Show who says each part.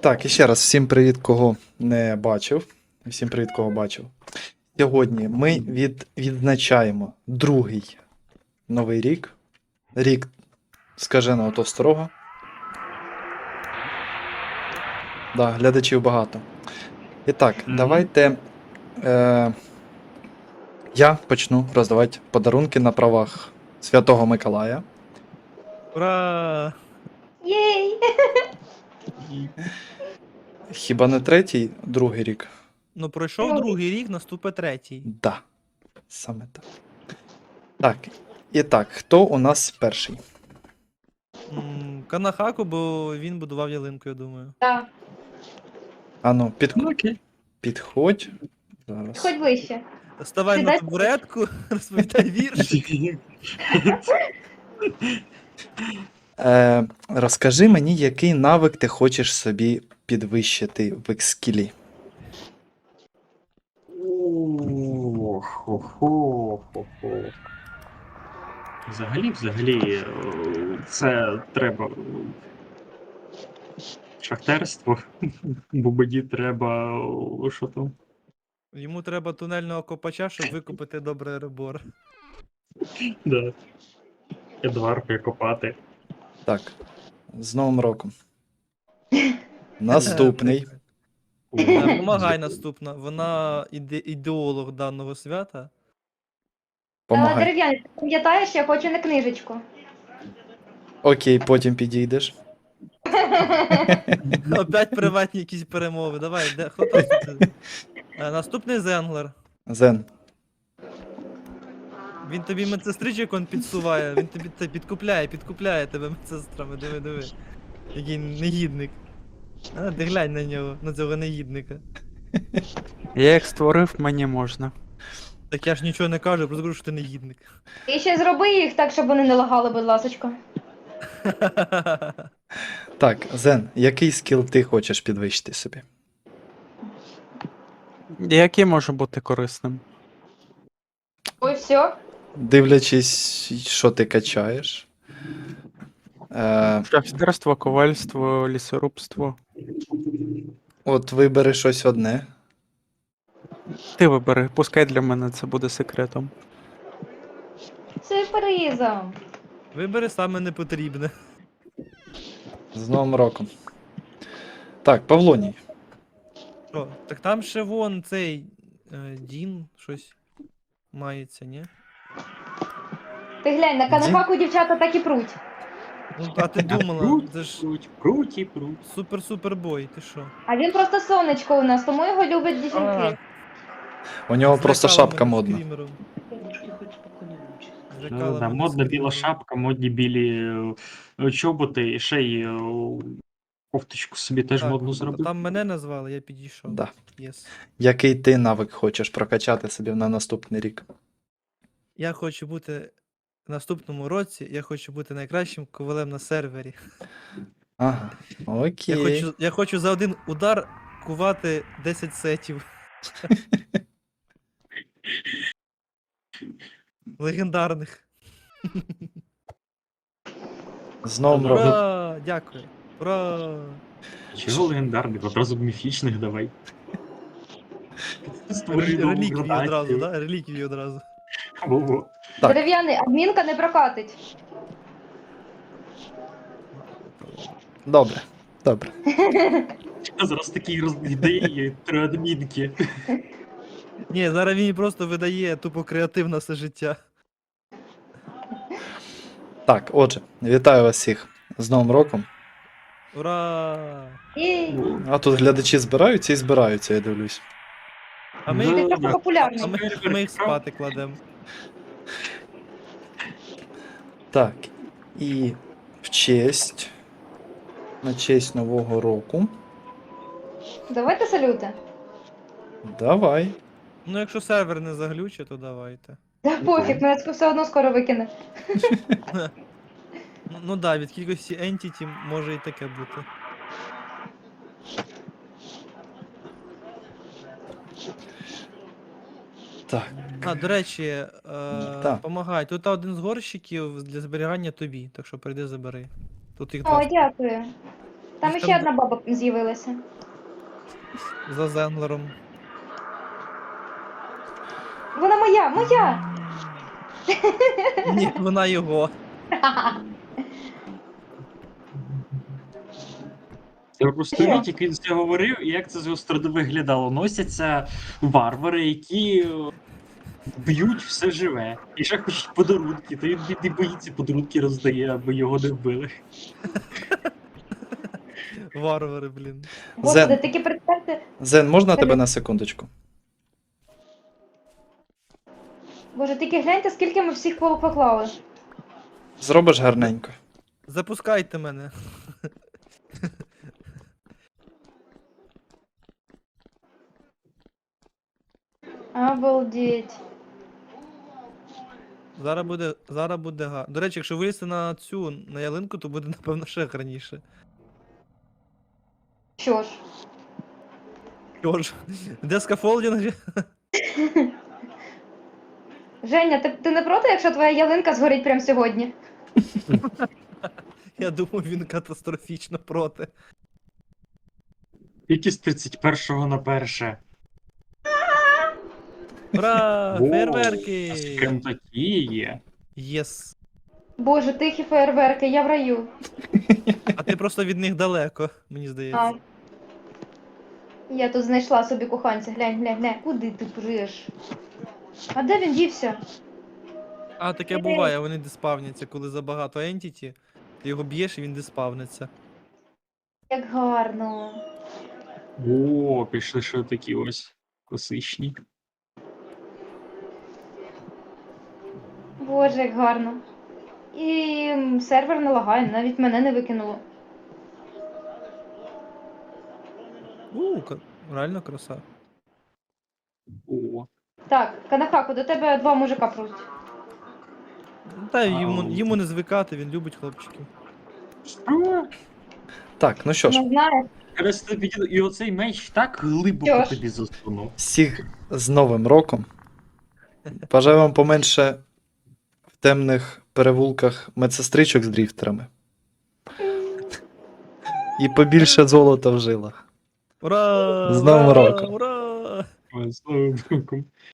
Speaker 1: Так, і ще раз всім привіт, кого не бачив. Всім привіт, кого бачив. Сьогодні ми відзначаємо другий новий рік. Рік скаженого товстрого. Да, глядачів багато. І так, давайте я почну роздавати подарунки на правах Святого Миколая.
Speaker 2: Ура!
Speaker 3: Єй!
Speaker 1: Хіба не третій, другий рік?
Speaker 2: Ну пройшов другий рік, наступить третій.
Speaker 1: Да. Саме так. Так. І так, хто у нас перший?
Speaker 2: Канахаку, бо він будував ялинку, я думаю.
Speaker 3: Так,
Speaker 1: Ану,
Speaker 4: Окей.
Speaker 1: підходь. Зараз.
Speaker 3: хоч вище.
Speaker 2: Ставай на
Speaker 3: Сідай.
Speaker 2: табуретку, розповідай вірш.
Speaker 1: Розкажи мені, який навик ти хочеш собі підвищити в екскілі.
Speaker 4: Хо-хо-хо-хо. Взагалі, це треба шахтерство, бубоді треба, що там?
Speaker 2: Йому треба тунельного копача, щоб викопати добре ребор.
Speaker 4: Да. Едварки копати.
Speaker 1: Так. З Новим роком. Наступний.
Speaker 2: Помагай наступна. Вона ідеолог даного свята.
Speaker 1: Помагай.
Speaker 3: Дерев'яний, ти пам'ятаєш, я хочу на книжечку.
Speaker 1: Окей, потім підійдеш.
Speaker 2: Опять приватні якісь перемови. Давай, де хто там тут? Наступний Зенглер.
Speaker 1: Зен.
Speaker 2: Він тобі медсестричок он підсуває, він тобі це підкупляє тебе медсестрами, диви. Який негідник. Ти глянь на нього, на цього негідника.
Speaker 5: Я їх створив, мені можна.
Speaker 2: Так я ж нічого не кажу, просто кажу, що ти негідник.
Speaker 3: І ще зроби їх так, щоб вони не лагали, будь ласочка.
Speaker 1: Так, Зен, який скіл ти хочеш підвищити собі?
Speaker 5: Який може бути корисним?
Speaker 3: Ой, все.
Speaker 1: Дивлячись, що ти качаєш.
Speaker 5: Шахтерство, ковальство, лісорубство.
Speaker 1: От вибери щось одне.
Speaker 5: Ти вибери, пускай для мене це буде секретом.
Speaker 3: Сюрпризом.
Speaker 2: Вибери саме непотрібне.
Speaker 1: З Новим роком. Так, Павлоній.
Speaker 2: Що? Так там ще вон цей Дін щось мається, ні?
Speaker 3: Ти глянь, на канапаку дівчата так і пруть.
Speaker 2: Ну, а ти думала,
Speaker 4: Круть,
Speaker 2: це ж
Speaker 4: круть.
Speaker 2: супер-супер бой, ти що?
Speaker 3: А він просто сонечко у нас, тому його люблять дівчинки.
Speaker 1: У нього просто
Speaker 2: Злякала
Speaker 1: шапка
Speaker 2: мене
Speaker 1: модна.
Speaker 2: скрімером.
Speaker 4: Да,
Speaker 2: Злякала мене
Speaker 4: модна біла
Speaker 2: скрімером.
Speaker 4: шапка, модні білі чоботи і ще й кофточку собі теж
Speaker 2: Так,
Speaker 4: модну зробив.
Speaker 2: Там мене назвали, я підійшов.
Speaker 1: Да.
Speaker 2: Єс.
Speaker 1: Який ти навик хочеш прокачати собі на наступний рік?
Speaker 2: Я хочу бути в наступному році, я хочу бути найкращим ковалем на сервері.
Speaker 1: Ага, окей.
Speaker 2: Я хочу за один удар кувати 10 сетів. Легендарних.
Speaker 1: З Новим роком.
Speaker 2: Ура! Дякую. Ура!
Speaker 4: Чого легендарних? Одразу міфічних давай. Створюй нову
Speaker 2: Реліквії одразу,
Speaker 4: градацію.
Speaker 2: да? Реліквії одразу.
Speaker 4: Во-во.
Speaker 1: Так.
Speaker 3: Дерев'яний, адмінка не прокатить.
Speaker 1: Добре. Добре.
Speaker 4: Зараз такі ідеї, три адмінки.
Speaker 2: Ні, зараз він просто видає тупо креатив на все життя.
Speaker 1: Так, отже, вітаю вас всіх з Новим роком.
Speaker 2: Ура!
Speaker 3: Єй.
Speaker 1: А тут глядачі збираються і збираються, я дивлюсь.
Speaker 2: А ми,
Speaker 4: Ну,
Speaker 2: їх-
Speaker 3: Ти трохи
Speaker 2: а
Speaker 3: популярний.
Speaker 2: ми їх спати кладемо.
Speaker 1: Так, і на честь Нового року.
Speaker 3: Давайте салюти.
Speaker 1: Давай.
Speaker 2: Ну, якщо сервер не заглючить, то давайте.
Speaker 3: Та пофіг, мене все одно скоро викине.
Speaker 2: Ну да, від кількості entity може і таке бути.
Speaker 1: Так.
Speaker 2: А, до речі,
Speaker 1: Так.
Speaker 2: помагай. Тут один з горщиків для зберігання тобі, так що прийди забери. Тут їх
Speaker 3: О,
Speaker 2: два.
Speaker 3: дякую. Там
Speaker 2: Їх
Speaker 3: ще
Speaker 2: там
Speaker 3: одна баба з'явилася.
Speaker 2: За Зенглером.
Speaker 3: Вона моя, моя!
Speaker 2: Ні, вона його.
Speaker 4: Я просто уявіть, як він це говорив, і як це з його сторони виглядало. Носяться варвари, які б'ють все живе. І ще хочуть подарунки, то він бідний боїться подарунки роздає, аби його не вбили.
Speaker 2: Варвари, блін.
Speaker 3: Господи, таки представте.
Speaker 1: Зен, можна тебе на секундочку?
Speaker 3: Боже, тільки гляньте, скільки ми всіх поклали.
Speaker 1: Зробиш гарненько.
Speaker 2: Запускайте мене.
Speaker 3: Обалдеть.
Speaker 2: Зараз буде До речі, якщо вилізти на цю, на ялинку, то буде, напевно, ще гарніше.
Speaker 3: Що ж,
Speaker 2: Що ж, де скафолдінг?
Speaker 3: Женя, ти не проти, якщо твоя ялинка згорить прямо сьогодні?
Speaker 2: Я думаю, він катастрофічно проти.
Speaker 4: Тільки з 31-го на 1.
Speaker 2: Ура!
Speaker 4: Воу,
Speaker 2: Фейерверки!
Speaker 4: а з ким такі є?
Speaker 2: Єс.
Speaker 3: Боже, тихі фейерверки, я в раю.
Speaker 2: А ти просто від них далеко, мені
Speaker 3: А.
Speaker 2: здається.
Speaker 3: Я тут знайшла собі коханця, глянь. Куди ти приш? А де він дівся?
Speaker 2: А, таке буває, вони диспавняться, коли забагато ентіті, ти його б'єш і він диспавниться.
Speaker 3: Як гарно.
Speaker 4: О, пішли ще такі ось класичні.
Speaker 3: Боже, як гарно. І сервер не лагає, навіть мене не викинуло.
Speaker 2: Реально краса.
Speaker 4: О,
Speaker 3: Так, Канахаку, до тебе 2 мужика просять.
Speaker 2: Та йому не звикати, він любить хлопчиків.
Speaker 4: що?
Speaker 1: Так, ну що ж,
Speaker 3: Не знаю.
Speaker 4: Раз тобі і оцей меч так глибоко
Speaker 3: Що ж?
Speaker 4: тобі засунув.
Speaker 1: всіх з Новим роком. Бажаю вам поменше в темних перевулках медсестричок з дріфтерами. І побільше золота в жилах.
Speaker 2: Ура!
Speaker 1: З Новим
Speaker 2: Ура!
Speaker 1: роком!
Speaker 2: Ура!
Speaker 4: Ой, слава Богу.